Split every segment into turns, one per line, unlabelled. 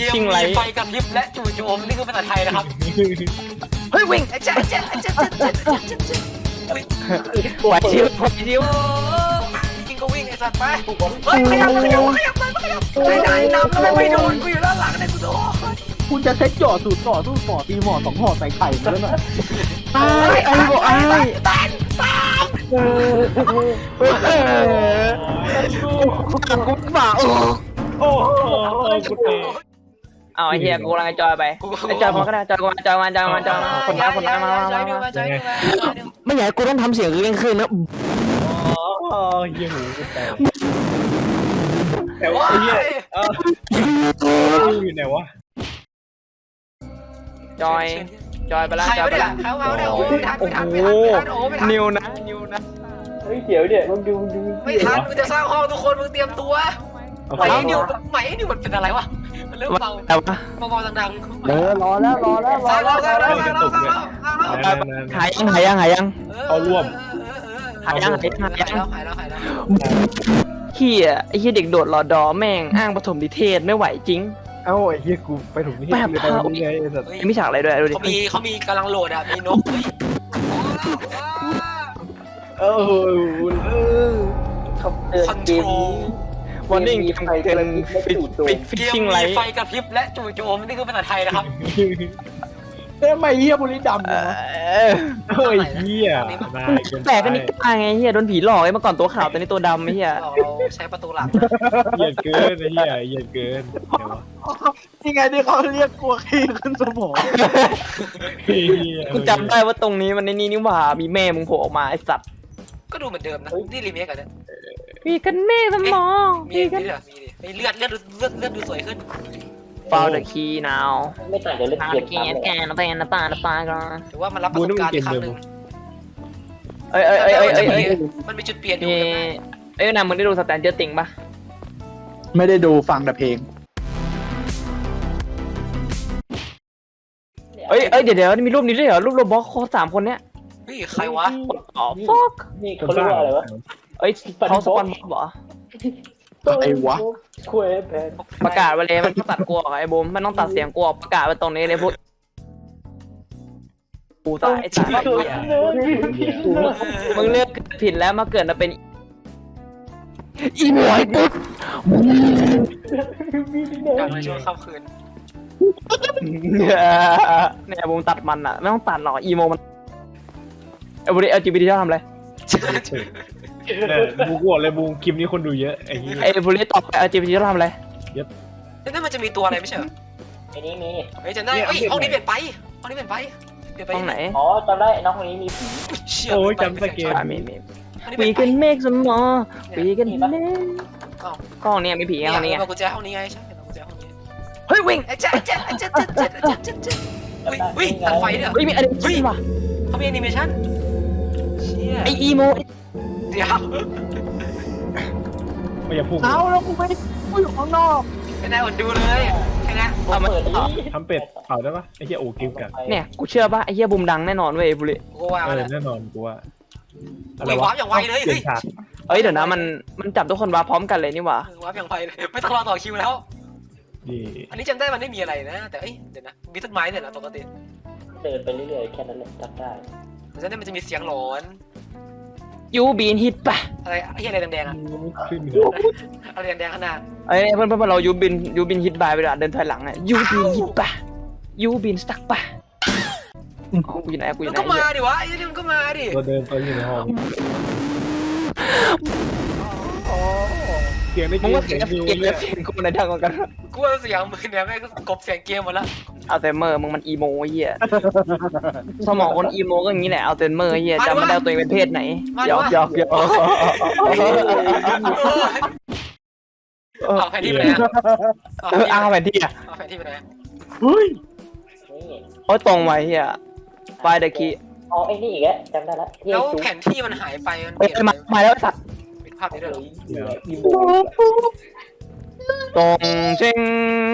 กมมีไฟกับพริบและจู่โจมนี่คือภาษาไทยนะครับเฮ้ยวิ่งไอ้เจ๊
ไหวชิวไหวชิว
กินก็วิ่งไอ้สัตว์ไปเฮ้ยขยับไม่ได้นำแล้วไม่โดนกูอยู่ด้านหลังเลยกูโดน
คุณจะใช้จ่อสูตรต่อสู้ห่อตีห่อ2ห่อใส่ไข่แล้วน่ะ
ไอ้บอกไอ้
ตาม
กูฝ่า
โอ้กูเตะ
เอาไอ้เหี้ยกูกำลังจอยไปไอ้จอยมาก็ได้จอยมาคนน้ามาไม่อยากกูต้องทำเสียงเร่งขึ้นนะ
อ๋อเหี้ยหูกูแต่ว่าไอ้เหี้ยอยู่ไหนวะ
จอยไปแล้วจอยไปแล้ว
โอ้
นิวนะ
เฮ้ยเดี๋ยวมึงดู
ไม่ทันมึงจะสร้างห้องทุกคนมึงเตรียมตัวไหมนิวมันเป็นอะไรวะมันเริ่มเบาดัง
รอแล้ว
หายยัง
เอาร่วม
หายแล้ว
เฮียไอ้เฮียเด็กโดดรอดอแม่งอ้างปฐมนิเทศไม่ไหวจริง
เอ้าไอ้เหี้ยกูไปถูกนี่ไปไงไอ้สัตว์
มีฉากอะไรด้วยดูดิ
เขามีกำลังโหลดอ่ะมีนกคอนโทรล
วันนิ่งทำเกินฟิชชิ่งไลท์
ไฟกระพริบและจู่โจมนี่คือภาษาไทยนะครับ
ทำไมเหี้ยบุรีดำเนี่ยเฮ้ยเหี้ย
แต่กันนี่กล้าไงเฮียโดนผีหลอกไอ้เมื่อก่อนตัวขาวตอนนี้ตัวดำไอ้เฮีย
เราใช้ประตูหลัง
เหี้ยเกินไอ้เหี้ยเหี้ยเกินยังไงที่เขาเรียกกลัวขี้ขึ้นสมอง
กูจำได้ว่าตรงนี้มันในนี่นี่หว่ามีแม่มึงโผล่ออกมาไอ้สัตว์
ก็ดูเหมือนเดิมนะนี่รีเมคกันเนี่ย
มีกันแม่สมอง
มีกันมีเลือดดูสวยขึ้น
ฟาวเดอะคีย์นาว
ไม่ต่างจากเล่นเกม
แกนน้ำตาก่อน
ถือว่ามันรับประสบการณ์อีกครั้งหนึ่งมันมีจุดเปลี่ยนอยู่
นะมึงได้ดูสแตนเจอร์ติงปะ
ไม่ได้ดูฟังแต่เพลง
เดี๋ยวมีรูปนี้ด้วยเหรอรูปโรบอทโค3คนเนี้ย
นี่ใครวะ
อ๋อฟอก
นี่เขาเรียกว่าอะไรวะ
เขาสปอนเหรอ
ไอ้วะ
ประกาศไปเลยมันต้องตัดกลัวไอ้บูมมันต้องตัดเสียงกลัวประกาศไปตรงนี้เลยพวกกูตายไอ้สัตว์มึงเลือกผิดแล้วมาเกิดมาเป็นอีหมวยปุ๊บ
ดังในช่วงค่ำคืน
เนี่ยบูมตัดมันอ่ะไม่ต้องตัดหรอกอีโมมันไอ้บุรี LGBT ชอบทำอะไร
บูกวดเลยบูคลิปนี้คนดูเยอะ
ไอ้บุรีตอบไป LGBT ชอบทำอะไร
นั่นมันจะมีตัวอะไรไม่ใช่เหรอ
ไอ้นี้มี
เฮ้ยจำได้ห้องนี้เปลี่ยนไป
ห้องไหน
อ๋อจำได้น้องคนนี้มีผี
โอ้ยจำสเกล
We can make some more We can make ห้องนี้มีผีห้องนี้
กุญแจห้องนี้ไงใช่กุญแจห้องนี้
เฮ้ยวิ่ง
วิ่งตัดไฟเนี่ย
เฮ้ยมีอะไรวะ
เขามีแอนิเมชั่น
ไออีโม
เดี๋ยว
ไม่อย่าพูด
แล้วกูอยู่ข้างนอก
ไม่ได้อดดูเลยแค่นั้น
ทำเป็ดเผาได้ปะไอ้เหี้ยโอ้กิ้วกัน
เนี่ยกูเชื่อป่ะไอ้เหี้ยบูมดังแน่นอนเว้ยบุรี
แน่นอนกูว่า
อะไรวะอย่างไวเลย
เดี๋ยวนะมันจับทุกคนมาพร้อมกันเลยนี่หว่า
วับอย่างไวเลยไม่ต้องรอต่อคิวแล้วอันนี้จำได้มันไม่มีอะไรนะแต่เดี๋ยวนะมีต้นไม้เนี่ยนะปกติ
เดินไปเรื่อยๆแค่นั้นแหละจำได้
แต่ฉะนั้นมันจะมีเสียงหลอน
ยูบีนฮิตป่ะ
อะไรอะไรแดงๆอ่ะอะไรแดงๆขนาด
เพื่อนเรายูบินฮิตบายไปแล้วเดินถอยหลังอ่ะยูบินฮิตป่ะยูบินสตั๊กป่ะกูอยู่ไหน
ก็มาดิวะไอ้นี่มันก็มาดิ
ตัวเดินตัวอยู่ในห้องเสียงได้
เสียงกูในทางกัน
กูว่าเสียงมึงเนี่ยแม่งกบเสียงเกมหมดละ
อัลเทเมอร์มึงมันอีโมเหี้ยสมองคนอีโมก็อย่างนี้แหละอัลเทเมอร์เหี้ยจำไม่ได้ตัวเองเป็นเพศไหนหยอก
เอาแผนที่ไปไหน
เอาแผนที่
เอาแผนที่ไปไหน
เฮ้ย
โอ้ตรงไว้เหี้ยไฟเดอะคี
อ๋อไอ้นี่อีกแล้วจำได้แล้ว
แล้วแผนที่มันหายไปมันเปลี่ยน
มาแล้วสัตว์
ภาพนี้ด้วย
ตรงเชิง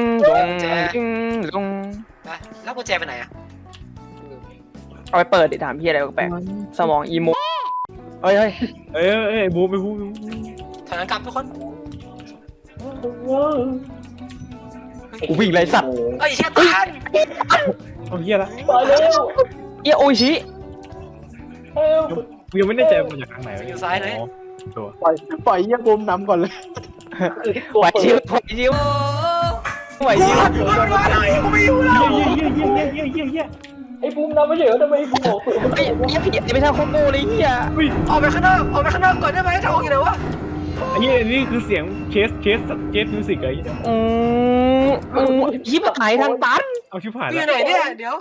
ตรง
แล้วกุญแจไปไหนอ่ะ
เอาไปเปิดดิถามพี่อะไรแปลกสมองอีโมเฮ้
ยบูไปบู
ถอยหลังกลับทุกคน
กูวิ่งไรสัตว์
ไอ้เชี่ยตาน
เอาเฮียละ
ไปเร็ว
เหี้ยโอชิ
เร็ว
กูยังไม่แน่ใจมันจากทางไหนตัว
ปล่อยเยี่ยบูมนำก่อนเลย
ไหวชิวไหวชิวไหวชิว
กูไม่อยู่แล้ว
เฮีย
ไอ้บูมนำไม่เฉยทำไมบูมบอก
ไอ้เหี้ยผิดไม่ใช่โคโก้เลยเหี้ย
ออกไปข้างนอกก่อนได้ไหมทองอยู่ไหนวะ
ไอ้เฮียนี่คือเสียงเชสมิวสิกไอ้
ยิบหายทางตัน
เอาชิบหาย
อยู่
แล้ว
ไหนเนี่ยเดี๋ยว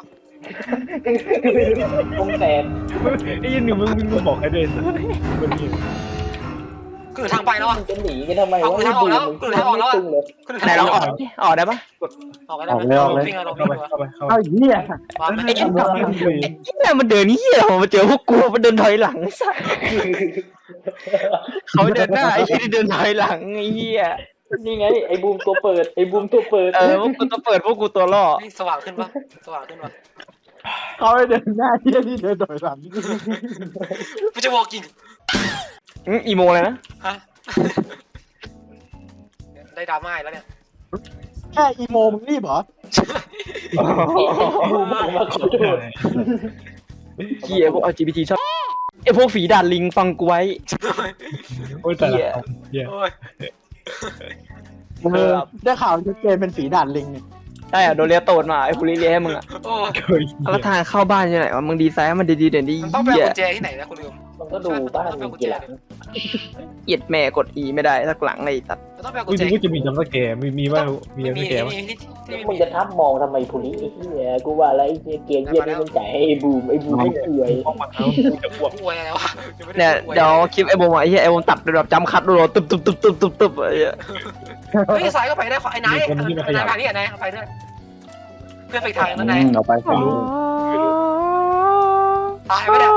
วงแตก
ไอ้ยันหนึ่งมึงบอกใครด้วยคนนี้
กูอยู่ทางไปแล้วอ่ะ
จะหนีกันทำไมวะ
ไหนลองออกได้ปะ
ออกไปได้ไหมลงวิ่งลง
เข้า
วิ่ง
ไปเข้าไปเข้าไป
เอาเหี้ย
วาง
ไอ้เนี่ยมันเดินเหี้ยมาเจอพวกกูมันเดินถอยหลังสัสเขาเดินหน้าไอ้ที่เดินถอยหลังไอ้เหี้ย
นี่ไงไอ้บูมตัวเปิดไอ้บูมตัวเปิด
พวกกูต้องเปิดพวกกูตัวล่อ
สว่างขึ้นปะสว่างขึ้นปะ
เขาไปเดินหน้าเหี้ยที่เดินถอยหลัง
กูจะบอกจริง
อีโมเลยนะ
ฮะได้ดราม่าแล้วเนี่ย
แค่อีโมมึงรีบเหรอ
บูมบอกมาขอโทษ
เหี้ยพวก LGBT ชอบไอ้พวกฝีดาดลิงฟังกูไว้
โอ้ยแต่ละเฮีย
โอ้ย
ได้ข่าวจะเกมเป็นฝีดาดลิงเนี่ย
ใช่อ่ะโดนเรียโตดมาไอ้ผู้เลี้ยให้มึงอ่ะ
โอ้ย
เคย
แล้วทางเข้าบ้านยังไงวะมึงดีไซน์ให้มันดีๆเด่นดี
มันต้องไป
เหี้ย
กุญแจที่ไหนนะคุณลืม
มันก็ดูบ้านมีกี่หลัง
เอียดแม่กด E ไม่ได้สักหลังเลยตัด
มันต้องไปกุ
กู
ญแจ
จะกูจะมีจำสแกมีว่ามีจำสแกมั้ย
มึงจะทับมองทำไมผู้นี้ไอ้เหี้ยกูว่าอะไรเกมเหี้ยนี่มันจ่ายให้ไอ้บูมไม่เอื่อย
ห้องมาเอาจะบวก
อวยอะไรวะ
เนี่ยเดี๋ยวคลิปไอ้โบมไอ้เหี้ยไอ้โบมตัดแบบจำคัดรัวตึ๊บตึ๊บตึ๊บตึ๊บตึ๊บตึ๊บไอ้เหี้ย
เฮ้ยสายก็ไปได้ไอ้นายนายพานี่ไอ้นายไปด้วยเพื่อนไปทางนั้นนาย
เอาไป
ไม่รู้
ตายไปเนี่ย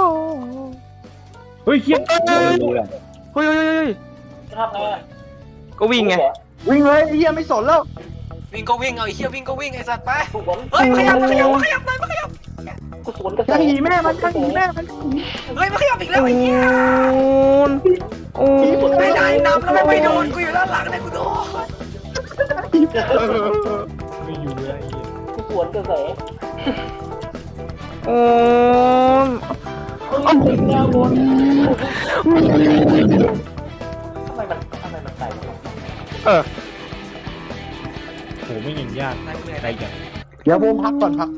เฮ้ยเฮีย
เฮ้ย
ทับไง
ก็วิ่งไง
วิ่งเลยไอ้เหี้ยไม่สนแล้ว
วิ่งก็วิ่งเอาไอ้เหี้ยวิ่งก็วิ่งไอ้สัตว์ไป
กูสวน
เฮ้ยขยับนายขยับ
กูสวนกระแส
จะหีแม่มันจะหีแม่มัน
เฮ้ยมันขยับอีกแล้วไอ้เหี้ย
โอ้
ไม่ได้นำแล้วไม่โดนกูอยู่ด้านหลังเลยกูโดน
ไม่อยู่เลย
กูสวนกระแส
โอ้
แนวบนทำไมมันใส่
โหไม่ยิงยาก
นายเหนื่อย
ใจอย่าง
เดี๋ยวบูมพักก่อนพัก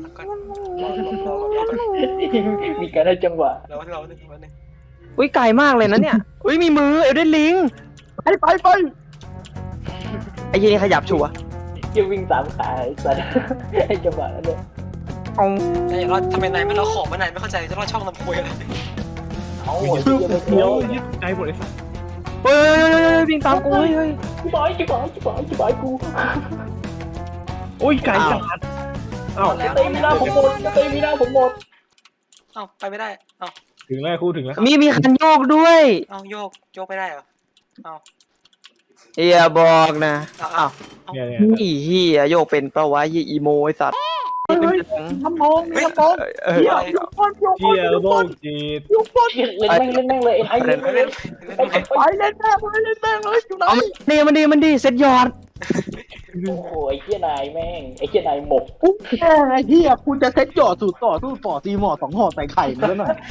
มีการได้จังหวะ
เรา
อุ้ยไกลมากเลยนะเนี่ยอุ้ยมีมือเอลเดนลิง
ไป
ไอ้เหี้ยนี่ขยับชัวร์
จะวิ่งสามขาไอ้สัสไอ้จังหวะนั้นเลย
เอา
นายเราทำไมนายไม่เราของนายไม่เข้าใจจะรอดช่องลำโพงอะไร
เอา
เดี๋ยวยึดใจหมดเลยสัส
เฮ้ยวิ่งตามกูเฮ้ย
จิบอยกู
โอ้ยไก่จัดอ้าว
แล้ว
เตะมีหน้าผมหมดเตะมีหน้าผมหมด
เอ้าไปไม่ได้เอ้า
ถึงแล้วคู่ถึงแล้ว
มีคันโยกด้วย
เอ้าโยกไม่ได้เหรอเอ้า
อย่าบอกนะ
เอ้า
เนี่ย
อีเหี้ยโยกเป็นปะวะยี่อีโมไอ้สัตว์
ทำมองทำมองเหี้ยยุบก้นยุบ
เที่
ก้น
ยวโลกจีด
ยุบก้น
เล่นแม่งเลยไอ้เล่น
ไม่เล่น
ไปเล่นแม่เลยอยู่ไหน
เอามันดีเซ็ตยอด
โอ้โหไอ้เหี้ยนายแม่งไอ้เหี้ยนายหมก
ปุ๊บแม่ไอ้เหี้ยคุณจะเซ็ตหยอดสูตรต่อสู้ต่อตีหมอ2ห่อใส่ไข่มาแล้วหน่อย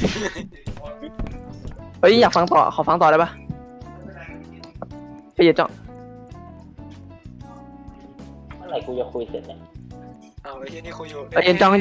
เฮ้ยอยากฟังต่อขอฟังต่อได้ปะพี่เจ้า
เมื่อไหร่กูจะคุยเสร็จเนี่ย
เอ้าไอ้เหี้ยนี่คุยอยู่
เอ็นจอง
นี่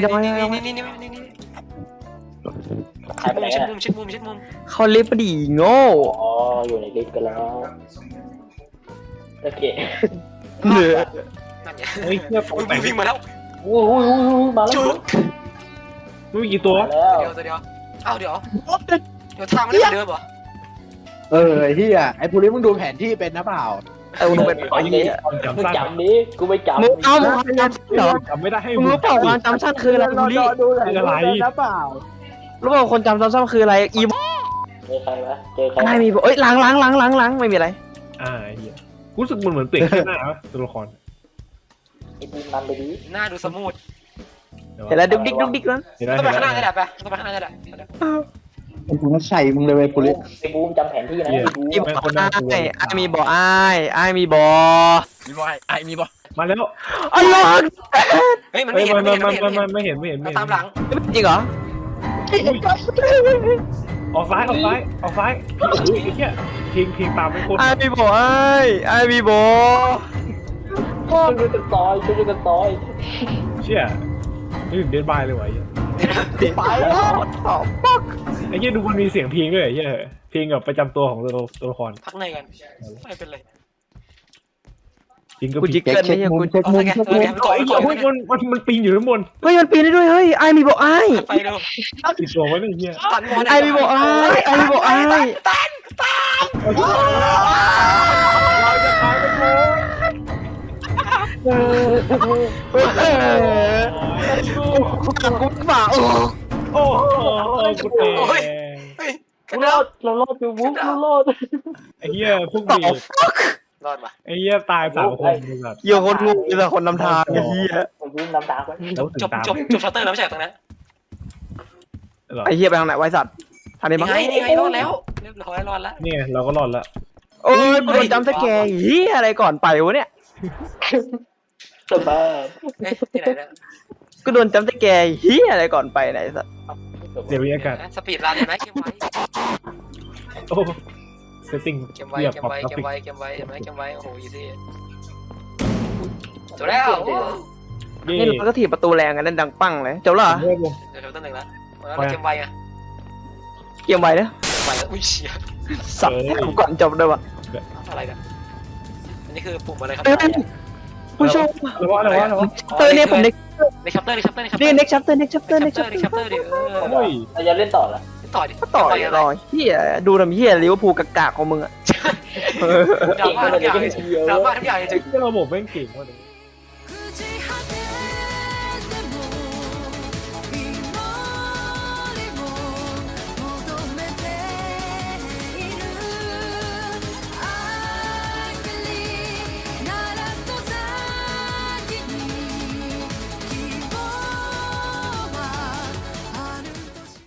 หายไปไหน
ชิด
กัน
มุม
เขาลิฟต์ดีโง่
อ๋ออยู่ในลิฟต์กันแล้วโอเค
เหนือ
นั่นไง
เฮ้ยเที่ยว
อุ้ยวิ่งมาแล้ว
โอ้โหมาแล้ว
จุก
มึงกี่ตัว
มาแล้ว
เดี๋ยวเอ้าเดี๋ยวทางมันไม่เหมือนเดิมเหรอ
ไอ้เหี้ยไอ้ภูริมึงดูแผนที่เป็นนะเปล่า
มึงเป็นไอ้เหี้ย
ความจำ
มึง
สั้น
จำดิกูไม่จำ
มึงเอามึงจำเหรอ
จำไม่ได้ให้
มึงรู้เปล่าว่าจำสั้นคืออะไรบุรี
ดูแผนที่เป็นนะเปล่า
รู้เปล่าคนจำสั้นคืออะไรอีโม
เจอใครวะเจอใคร
ไม่มีเอ้ยล้างไม่มีอะไร
เฮียรู้สึกมันเหมือนเปลี่ยนแค่หน้าวะตัวละคร
ไอ้บูมนำไปดิ
หน้าดูสมูท
เห็นแล้วดุกดิกนั้น
เห็นไหม
ต้องไปข้างหน้าได้แหละไปต้องไปข้างหน้าได้แหละ
ไอ้กูน่าใส่มึงเลยเว้ยภูริ
ไอ้บูมจำแผนที่นะไอ้บูม
อีบอกไอ้มีบอกไอ้มีบอ
มีบ่ไอ้มีบ่
มาแล้ว
อัลลอฮ์
เฮ้ยมัน
เฮ้
ไม่
ย
เห็น
มันไม่เห็น
ตามหลัง
จริงเหรอ
ออกซ้ายไอ้เหี้ยพิงตามไปคน
ไอบีโบไอบีโบ
ช่วยกันต่อยช่วยกันต่อย
เชี่ยนี่ถึงเดนบายเลยวะไอ้
ไปแล้ว
ตอบปัก
ไอ้เหี้ยดูมันมีเสียงพิงด้วยไอ้เหี้ยพิงกับประจำตัวของตัวละคร
พักในกันไม่เป็นไร
พิงกับ
กูจิกเกิลไม่ใช่กู
เอาไงก่อน
ไอ้เหี้ยมันปีนอยู่ข้างบน
เฮ้ยมันปีนได้ด้วยเฮ้ยไอมีโบไอ
ไปดู
ติดตัวไว้ไอ้เหี้ย
ตันบอล
ไอมีโบไอมีโบไอ
เราจะตายกันหมด
กูฝ่าโอ้
โอ้โหกูเตะ
เรารอดอยู่บุ๊กเรารอด
ไอ้เหี้ยพุ่ง
ต่อ
บีบ
รอดปะ
ไอ้เหี้ยตาย3 คนเลยแบบ
เยี่ยคนงูแต่คนนำทางไอ้เหี้ย
ผมวิ่งน้ำตาไป
แล้วถึง
จบ
ตาม
ชัตเตอร์แล้วไม่ใช่ตรงนั้น
เหรอ
ไอ้เหี้ยไปทางไหนไว้สัตว์ทางนี้
นี่
มั้ง
ไงนี่ไงรอดแล้วเรียบร้อยรอดแล้ว
นี่ไงเราก็รอดละ
โอ้ยกูโดนจำสแกร์เหี้ยอะไรก่อนไปวะเนี่ย
สบาย
เอ๊ะที่ไหนเนี่ย
กูโดนจำสแกร์เหี้ยอะไรก่อนไปไหนสัตว์
เดี๋ยวบรรยากาศ
สปีดรันเห็นไหมเกมไว้
โอ้เซตติ้ง
เกมไว้
เรียบ
เกม
ปรับ
ไว้
กรา
เกม
ฟิก
ไว้เกมไว้เห็นไหมเกมไว้โอ้โหอีซี่จบแล้ว
เย่
นี่เราก็ถีบประตูแรงกันนั่นดังปังเลยจบแล้วเหรอ
เริ่มลง
เดี๋ยวต้นหนึ่งแล้วแล้วเกมไว้อะ
เกมไวนะ
ไว้แล้วอุ้ยเชี่ย
สับแถมก่อนจบด้วยวะ
อะไรเนี่ยอันนี้คือปุ่มอะไรครับ
เอ้ยผู้ชม
แล้วว่า
เตอร์เนี่ยผมเน็ก
ในชัปเตอร์ในชัปเตอร์ในชัปเตอ
นี่
ร์
เน็กชัปเตอร์เน็กชัปเตอร์
ใน
เน็กชั
ชั
ป
ป
เต
เต
อ
อ
ร์
ร์ในชัปเตอร์ดิ
โอ้ย
เราจะเล่นต่อละ
ต่อดิ
ก็ต่อยรอยเฮียดูทำเฮียลิเวอร์พูลกากๆของมึงอะ
ดราม่าทุกอย่างดราม่าทุกอย่างจริง
ที่เราบอกแม่งเก่งมากเลย